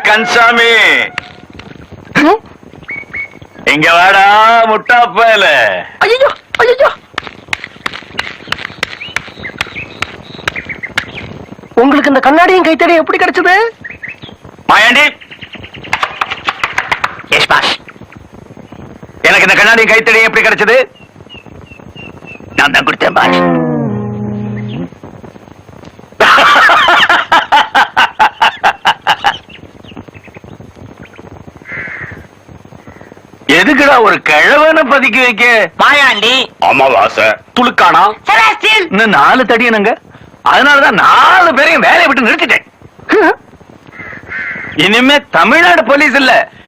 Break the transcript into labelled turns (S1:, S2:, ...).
S1: கன்சாமி, இங்க வாடா முட்டாப்பையல.
S2: ஐயோ ஐயோ, உங்களுக்கு இந்த கண்ணாடியும் கைத்தடியும் எப்படி கிடைச்சது?
S1: Mayandi, yes boss. எனக்கு இந்த கண்ணாடியும் கைத்தடியும் எப்படி கிடைச்சது? நான் தான் கொடுத்தேன் பாஸ். எதுக்குடா ஒரு கிழவனை பதுக்கி வைக்க?
S3: மாயாண்டி,
S1: அமாவாசை, துளுக்கானா, இன்னும் 4 தடியனுங்க. அதனாலதான் 4 பேரையும் வேலையை விட்டு நிறுத்திட்டேன். இனிமே தமிழ்நாடு போலீஸ் இல்ல,